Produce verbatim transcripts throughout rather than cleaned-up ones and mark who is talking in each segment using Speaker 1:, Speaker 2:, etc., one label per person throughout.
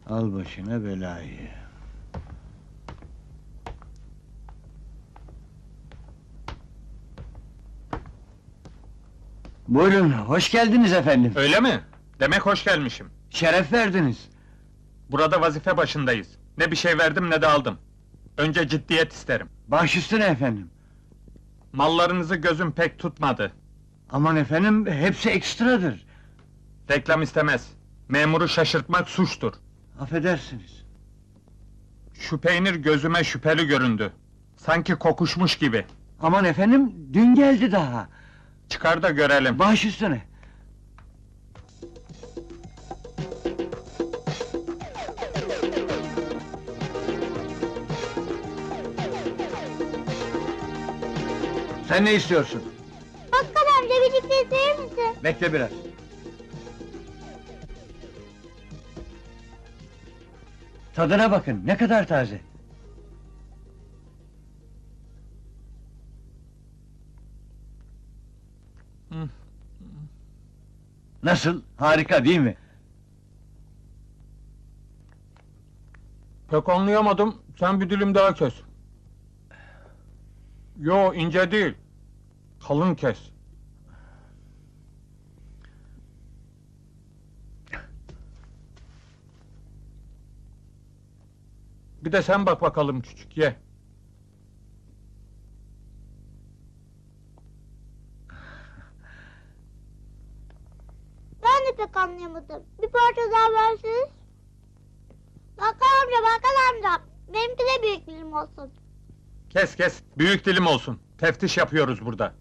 Speaker 1: Al başına belayı. Buyurun, hoş geldiniz efendim.
Speaker 2: Öyle mi? Demek hoş gelmişim.
Speaker 1: Şeref verdiniz.
Speaker 2: Burada vazife başındayız. Ne bir şey verdim ne de aldım. Önce ciddiyet isterim.
Speaker 1: Baş üstüne efendim.
Speaker 2: Mallarınızı gözüm pek tutmadı.
Speaker 1: Aman efendim, hepsi ekstradır.
Speaker 2: Reklam istemez. Memuru şaşırtmak suçtur.
Speaker 1: Affedersiniz.
Speaker 2: Şu peynir gözüme şüpheli göründü. Sanki kokuşmuş gibi.
Speaker 1: Aman efendim, dün geldi daha.
Speaker 2: Çıkar da görelim.
Speaker 1: Baş üstüne. Sen ne istiyorsun?
Speaker 3: Bakkal amca birlikte izler misin?
Speaker 1: Bekle biraz. Tadına bakın, ne kadar taze.
Speaker 2: Hı.
Speaker 1: Nasıl? Harika değil mi?
Speaker 2: Pek anlayamadım. Sen bir dilim daha kes. Yo, ince değil. Kalın kes. Bir de sen bak bakalım küçük, ye.
Speaker 3: Ben de pek anlayamadım. Bir parça daha verseniz. Bakkal amca, bakkal amca. Benimki de büyük dilim olsun.
Speaker 2: Kes kes, büyük dilim olsun. Teftiş yapıyoruz burada.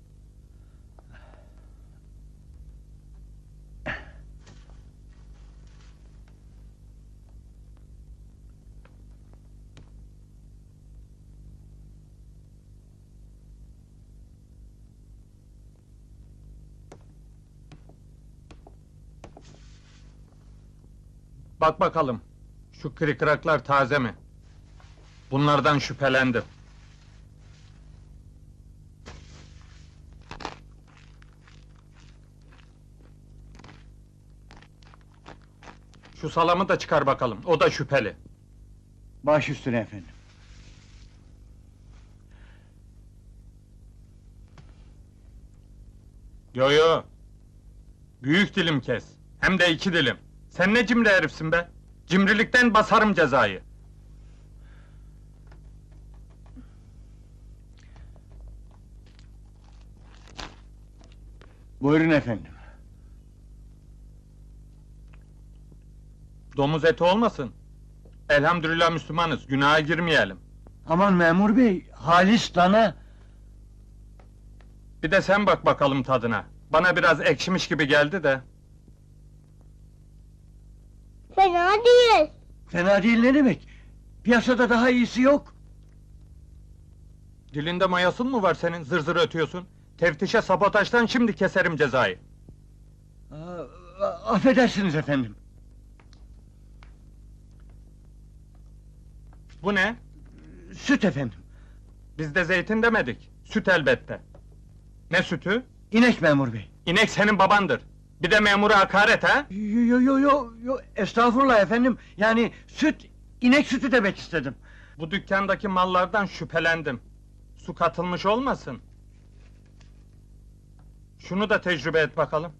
Speaker 2: Bak bakalım, şu kırıklar taze mi? Bunlardan şüphelendim. Şu salamı da çıkar bakalım, o da şüpheli.
Speaker 1: Baş üstüne efendim.
Speaker 2: Yo yo! Büyük dilim kes, hem de iki dilim. Sen ne cimri herifsin be? Cimrilikten basarım cezayı.
Speaker 1: Buyurun efendim.
Speaker 2: Domuz eti olmasın. Elhamdülillah Müslümanız, günaha girmeyelim.
Speaker 1: Aman memur bey, halis dana.
Speaker 2: Bir de sen bak bakalım tadına. Bana biraz ekşimiş gibi geldi de.
Speaker 3: Fena değil.
Speaker 1: Fena değil ne demek? Piyasada daha iyisi yok.
Speaker 2: Dilinde mayasın mı var senin, zır zır ötüyorsun? Teftişe sabotajdan şimdi keserim cezayı.
Speaker 1: Aa, affedersiniz efendim.
Speaker 2: Bu ne?
Speaker 1: Süt efendim.
Speaker 2: Biz de zeytin demedik, süt elbette. Ne sütü?
Speaker 1: İnek memur bey.
Speaker 2: İnek senin babandır. Bir de memura hakaret ha?
Speaker 1: Yo yo yo yo yo estağfurullah efendim. Yani süt, inek sütü demek istedim.
Speaker 2: Bu dükkandaki mallardan şüphelendim. Su katılmış olmasın? Şunu da tecrübe et bakalım.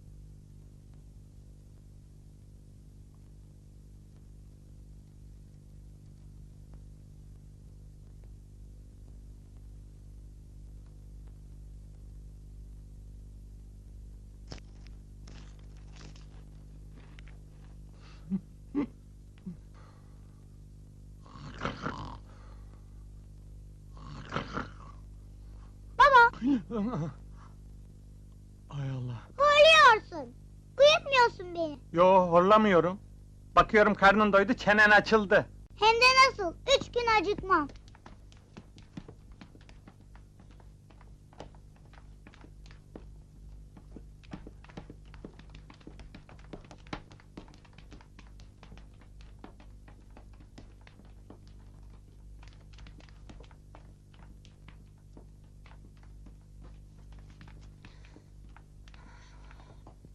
Speaker 3: Baba,
Speaker 2: Ay Allah!
Speaker 3: horluyorsun. Uyutmuyorsun beni.
Speaker 2: Yo, horlamıyorum. Bakıyorum karnın doydu, çenen açıldı.
Speaker 3: Hem de nasıl? Üç gün acıkmam.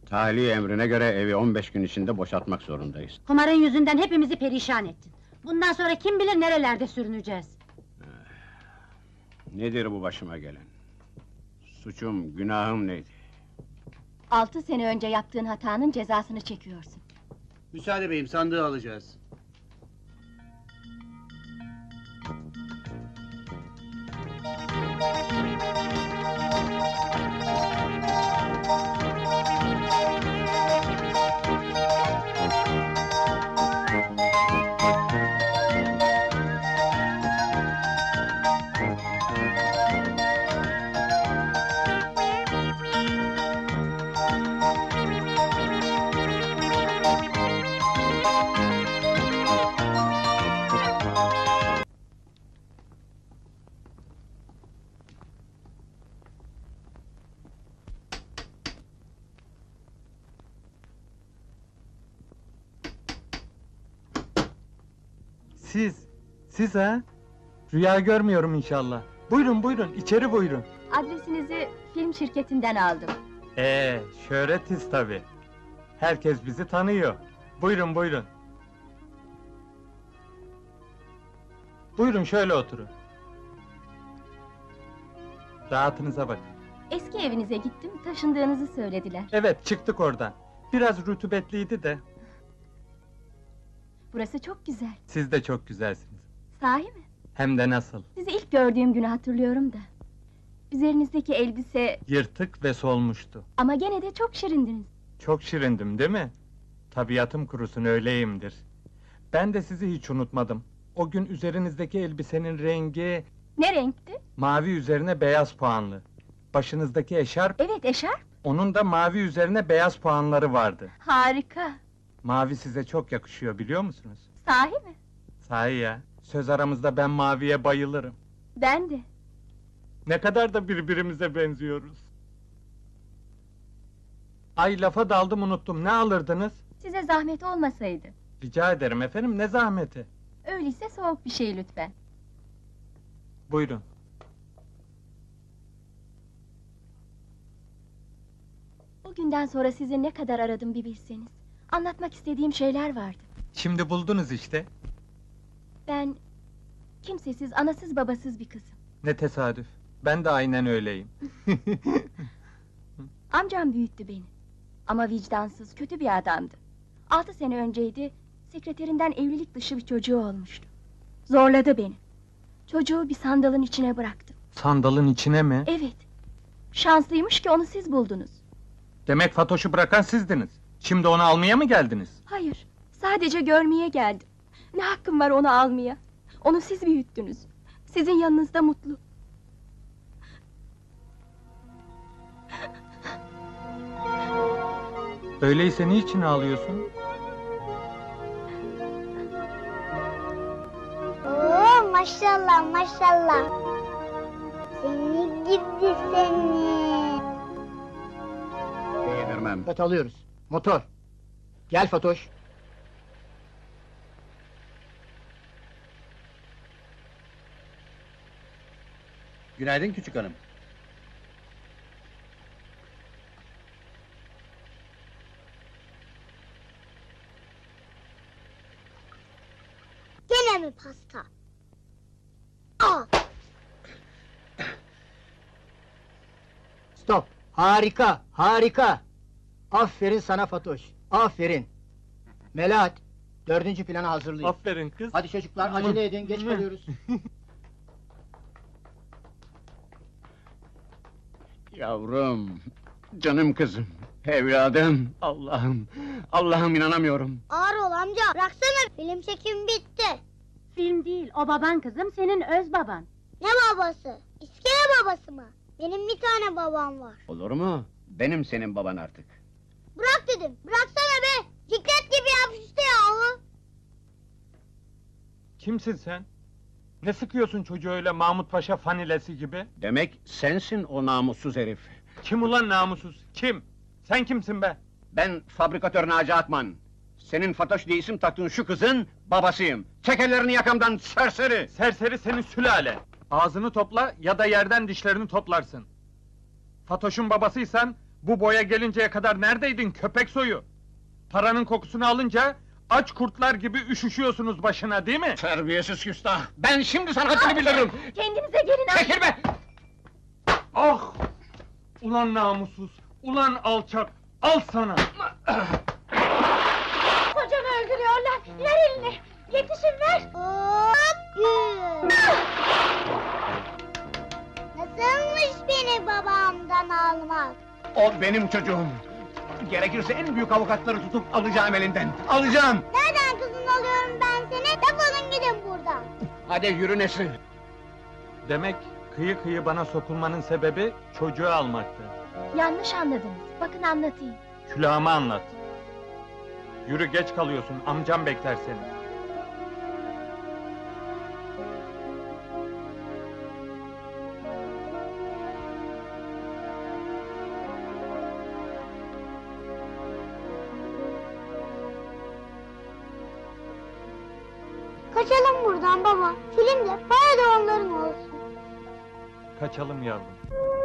Speaker 4: Tahliye emrine göre evi on beş gün içinde boşaltmak zorundayız.
Speaker 5: Kumarın yüzünden hepimizi perişan ettin. Bundan sonra kim bilir nerelerde sürüneceğiz.
Speaker 4: Nedir bu başıma gelen? Suçum, günahım neydi?
Speaker 6: Altı sene önce yaptığın hatanın cezasını çekiyorsun.
Speaker 7: Müsaade beyim, sandığı alacağız.
Speaker 2: Siz, siz ha? Rüya görmüyorum inşallah. Buyurun buyurun, içeri buyurun.
Speaker 6: Adresinizi film şirketinden aldım.
Speaker 2: Ee, şöhretiz tabi. Herkes bizi tanıyor. Buyurun buyurun. Buyurun şöyle oturun. Rahatınıza bakın.
Speaker 6: Eski evinize gittim, taşındığınızı söylediler.
Speaker 2: Evet, çıktık oradan. Biraz rutubetliydi de.
Speaker 6: Burası çok güzel.
Speaker 2: Siz de çok güzelsiniz.
Speaker 6: Sahi mi?
Speaker 2: Hem de nasıl.
Speaker 6: Sizi ilk gördüğüm günü hatırlıyorum da. Üzerinizdeki elbise
Speaker 2: Yırtık ve solmuştu.
Speaker 6: ama gene de çok şirindiniz.
Speaker 2: Çok şirindim değil mi? Tabiatım kurusun öyleyimdir. Ben de sizi hiç unutmadım. O gün üzerinizdeki elbisenin rengi
Speaker 6: Ne renkti?
Speaker 2: mavi üzerine beyaz puanlı. Başınızdaki eşarp,
Speaker 6: Evet, eşarp.
Speaker 2: onun da mavi üzerine beyaz puanları vardı.
Speaker 6: Harika.
Speaker 2: Mavi size çok yakışıyor biliyor musunuz?
Speaker 6: Sahi mi?
Speaker 2: Sahi ya, söz aramızda ben maviye bayılırım.
Speaker 6: Ben de.
Speaker 2: Ne kadar da birbirimize benziyoruz. Ay lafa daldım unuttum, ne alırdınız?
Speaker 6: Size zahmet olmasaydı.
Speaker 2: Rica ederim efendim, ne zahmeti?
Speaker 6: Öyleyse soğuk bir şey lütfen.
Speaker 2: Buyurun.
Speaker 6: O günden sonra sizi ne kadar aradım bir bilseniz. Anlatmak istediğim şeyler vardı.
Speaker 2: Şimdi buldunuz işte.
Speaker 6: Ben kimsesiz, anasız babasız bir kızım.
Speaker 2: Ne tesadüf. Ben de aynen öyleyim.
Speaker 6: Amcam büyüttü beni. Ama vicdansız, kötü bir adamdı. Altı sene önceydi, sekreterinden evlilik dışı bir çocuğu olmuştu. Zorladı beni. Çocuğu bir sandalın içine bıraktı.
Speaker 2: Sandalın içine mi?
Speaker 6: Evet. Şanslıymış ki onu siz buldunuz.
Speaker 2: Demek Fatoş'u bırakan sizdiniz. Şimdi onu almaya mı geldiniz?
Speaker 6: Hayır, sadece görmeye geldim. Ne hakkım var onu almaya? Onu siz büyüttünüz. Sizin yanınızda mutlu.
Speaker 2: Öyleyse niçin ağlıyorsun?
Speaker 3: Oo maşallah maşallah. Seni gidi seni.
Speaker 4: Beğenirmem.
Speaker 7: Evet, alıyoruz. Motor. Gel Fatoş. Günaydın küçük hanım.
Speaker 3: Gene mi pasta? Aa,
Speaker 7: Stop. Harika, harika. Aferin sana Fatoş. Aferin. Melahat, dördüncü planı hazırlayın.
Speaker 2: Aferin kız.
Speaker 7: Hadi çocuklar, acele edin, geç kalıyoruz.
Speaker 4: Yavrum, canım kızım, evladım, Allah'ım, Allah'ım inanamıyorum.
Speaker 3: ağır ol amca. Bıraksana, film çekimi bitti.
Speaker 5: Film değil, o baban kızım, senin öz baban.
Speaker 3: Ne babası? İskele babası mı? Benim bir tane babam var.
Speaker 4: Olur mu? Benim senin baban artık.
Speaker 3: Bırak dedim. Bıraksana be. Ciklet gibi yapıştı yahu.
Speaker 2: Kimsin sen? Ne sıkıyorsun çocuğu öyle Mahmut Paşa fanilesi gibi?
Speaker 4: Demek sensin o namussuz herif.
Speaker 2: Kim ulan namussuz? Kim? Sen kimsin be?
Speaker 4: Ben fabrikatör Naci Akman. Senin Fatoş diye isim taktığın şu kızın babasıyım. Çek ellerini yakamdan serseri!
Speaker 2: Serseri senin sülale! Ağzını topla ya da yerden dişlerini toplarsın. Fatoş'un babasıysan, Bu boya gelinceye kadar neredeydin köpek soyu? Paranın kokusunu alınca aç kurtlar gibi üşüşüyorsunuz başına değil mi?
Speaker 4: Terbiyesiz küstah! Ben şimdi sana haddini bildiririm!
Speaker 6: Kendinize gelin amca!
Speaker 4: Çekil be!
Speaker 2: Ah! Ulan namussuz, ulan alçak, al sana!
Speaker 6: Kocamı öldürüyorlar! Ver elini! Yetişin ver!
Speaker 3: Hop! Yürü. Nasılmış beni babamdan almak?
Speaker 4: O benim çocuğum! Gerekirse en büyük avukatları tutup alacağım elinden! Alacağım!
Speaker 3: Nereden kızın alıyorum ben seni? Defolun gidin buradan.
Speaker 4: Hadi yürü Nesrin!
Speaker 2: Demek kıyı kıyı bana sokulmanın sebebi çocuğu almaktı.
Speaker 6: Yanlış anladınız. Bakın anlatayım.
Speaker 2: Külahıma anlat. Yürü geç kalıyorsun, amcam bekler seni.
Speaker 3: Kaçalım buradan baba. Film de para da onların olsun.
Speaker 2: Kaçalım yavrum.